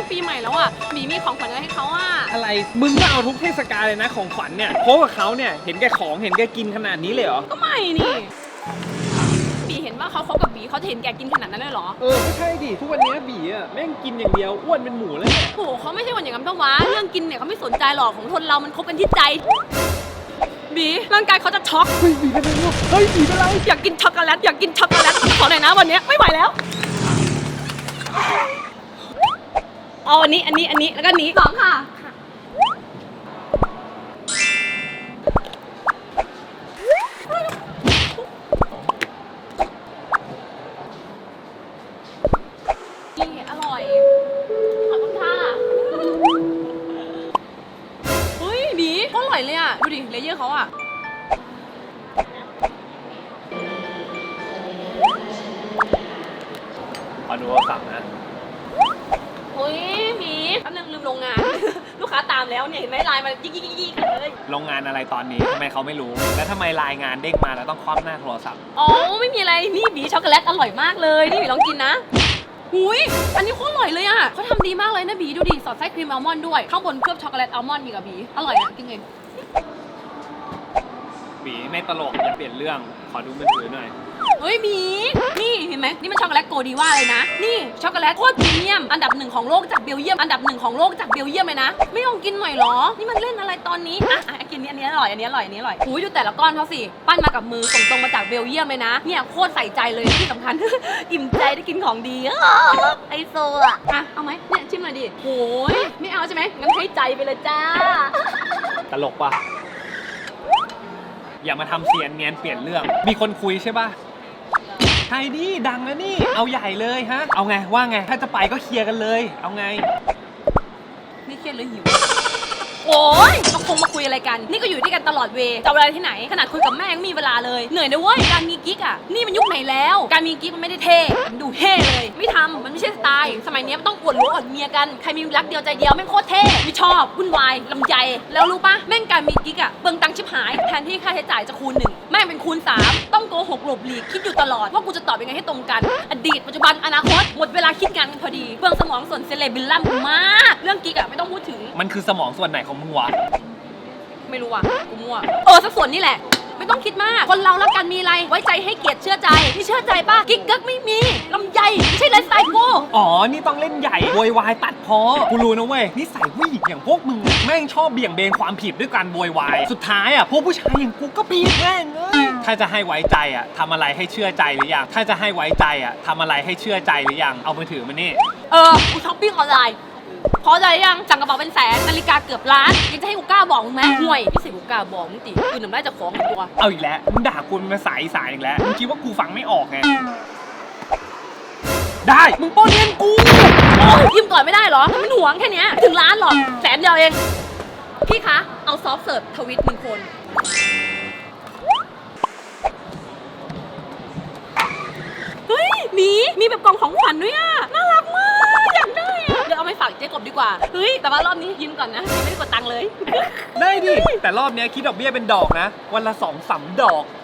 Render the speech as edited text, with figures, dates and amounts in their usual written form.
ปีใหม่แล้วอ่ะหมีมีของขวัญอะไรให้เขาอ่ะอะไรมึงก็เอาทุกเทศกาลเลยนะของขวัญเนี่ยเพราะว่าเขาเนี่ยเห็นแก่ของเห็นแก่กินขนาดนี้เลยเหรอก็ไม่นี่บีเห็นว่าเขาคบกับบีเขาจะเห็นแกกินขนาดนั้นเลยเหรอไม่ใช่ดิทุกวันนี้บีอ่ะแม่งกินอย่างเดียวอ้วนเป็นหมูแล้วเนี่ยโหเขาไม่ใช่คนอย่างนั้นปะวะเรื่องกินเนี่ยเขาไม่สนใจหรอกของคนเรามันคบกันที่ใจบีร่างกายเขาจะช็อกเฮ้ยบีเป็นไรวะเฮ้ยบีเป็นไรอยากกินช็อกโกแลตอยากกินช็อกโกแลตขอหน่อยนะวันนี้ไม่ไหวแล้วเอาอันนี้แล้วก็นี้สองค่ะนี่อร่อยขอบคุณค่ะเฮ้ยบีก็อร่อยเลยอ่ะดูดิเลเยอร์เขาอ่ะขอดูโทรศัพท์นะเฮ้ยบีแป๊บนึงลืมโรงงาน ลูกค้าตามแล้วเนี่ยเห็นไหมไลน์มายิกเลยโรงงานอะไรตอนนี้ทำไมเขาไม่รู้แล้วทำไมรายงานเด้งมาแล้วต้องคว่ำหน้าโทรศัพท์อ๋อไม่มีอะไรนี่บีช็อกโกแลตอร่อยมากเลยนี่บีลองกินนะหุยอันนี้โคตรอร่อยเลยอ่ะเขาทำดีมากเลยนะบีดูดิสอดไส้ครีมอัลมอนด์ด้วยข้างบนเคลือบช็อกโกแลตอัลมอนด์อีกอะบีอร่อยอ่ะกินเองบีไม่ตลกอย่าเปลี่ยนเรื่องขอดูมือถือหน่อยเฮ้ยบีนี่เห็นไหมนี่มันช็อกโกแลตโกดีว่าเลยนะนี่ช็อกโกแลตโคตรพรีเมียมอันดับ1ของโลกจากเบลเยียมเลยนะไม่ลองกินหน่อยหรอนี่มันเล่นอะไรตอนนี้อ่ะกินอันนี้อร่อยอุ้ยดูแต่ละก้อนเขาสิปั้นมากับมือส่งตรงมาจากเบลเยียมเลยนะเนี่ยโคตรใส่ใจเลยที่สำคัญ อิ่มใจได้กินของดีไอโซอ่ะเอาไหมเนี่ยชิมหน่อยดิโอ้ยไม่เอาใช่ไหมงั้นให้ใจไปเลยจ้าตลกปะอย่ามาทำเสียนเนียนเปลี่ยนเรื่องมีคนคุยใช่ปะใช่ดิดังแล้วนี่เอาใหญ่เลยฮะเอาไงว่าไงถ้าจะไปก็เคลียร์กันเลยเอาไงนี่เครียดเลยหิวโอ้ยมาคงมาคุยอะไรกันนี่ก็อยู่ด้วยกันตลอดเวจะเอาเวลาที่ไหนขนาดคุยกับแม่ยังมีเวลาเลยเหนื่อยนะเว้ยการมีกิ๊กอ่ะนี่มันยุคไหนแล้วการมีกิ๊กมันไม่ได้เท่มันดูเท่เลยไม่ทำมันไม่ใช่สไตล์สมัยนี้มันต้องอวดรู้อวดเมียกันใครมีรักเดียวใจเดียวแม่งโคตรเท่ไม่ชอบวุ่นวายลำใจแล้วรู้ปะแม่งการมีกิ๊กอ่ะเปลืองตังค์ชิบหายแทนที่ค่าใช้จ่ายจะคูณ1แม่งเป็นคูณ3ต้องโกหกหลบหลีกคิดอยู่ตลอดว่ากูจะตอบยังไงให้ตรงกันอดีตปัจจุบันอนาคตหมดเวลาคิดงานกันพอดีเปลืองสมองส่วนเซเลบริลลัมมากเรื่องกิ๊กอ่ะไม่ต้องพูดถึงมันคือสมองส่วนไหนของมึงวะไม่รู้ว่ะกูมั่วสักส่วนนี่แหละไม่ต้องคิดมากคนเรารักกันมีอะไรไว้ใจให้เกียรติเชื่อใจนี่เชื่อใจป่ะกิ๊กกักไม่มีลำใหญ่ไม่ใช่ไลฟ์สไตล์กูอ๋อนี่ต้องเล่นใหญ่โวยวายตัดพอกูรู้นะเว้ยนิสัยผู้หญิงอย่างพวกมึงแม่งชอบเบี่ยงเบนความผิดด้วยการโวยวายสุดท้ายอ่ะพวกผู้ชายอย่างกูก็ผิดแม่งถ้าจะให้ไว้ใจอ่ะทำอะไรให้เชื่อใจหรือยังถ้าจะให้ไว้ใจอ่ะทำอะไรให้เชื่อใจหรือยังเอามือถือมานี่กูช้อปปิ้งออนไลน์พอใจยังสั่งกระเป๋าเป็นแสนนาฬิกาเกือบล้านยังจะให้กูกล้าบอกมึงไหมห่วยพี่สิกูกล้าบอกมึงติกูหนุ่มได้จะของตัวเอาอีกแล้วมึงด่ากูเป็นภาษาอีสานอีกแล้วมึงคิดว่ากูฟังไม่ออกไงได้มึงป้นเงินกูยืมก่อนไม่ได้เหรอมันห่วงแค่นี้ถึงล้านหรอแสนเดียวเองพี่คะเอาซอฟต์เสิร์ฟทวิต1 คนเฮ้ยมีแบบกล่องของขวัญด้วยอ่ะน่ารักมากอยากได้อ่ะเดี๋ยวเอาไปฝากเจ๊กบดีกว่าเฮ้ยแต่ว่ารอบนี้ยืมก่อนนะยังไม่ได้กดตังค์เลยได้ดิแต่รอบนี้คิดดอกเบี้ยเป็นดอกนะวันละ2-3 ดอก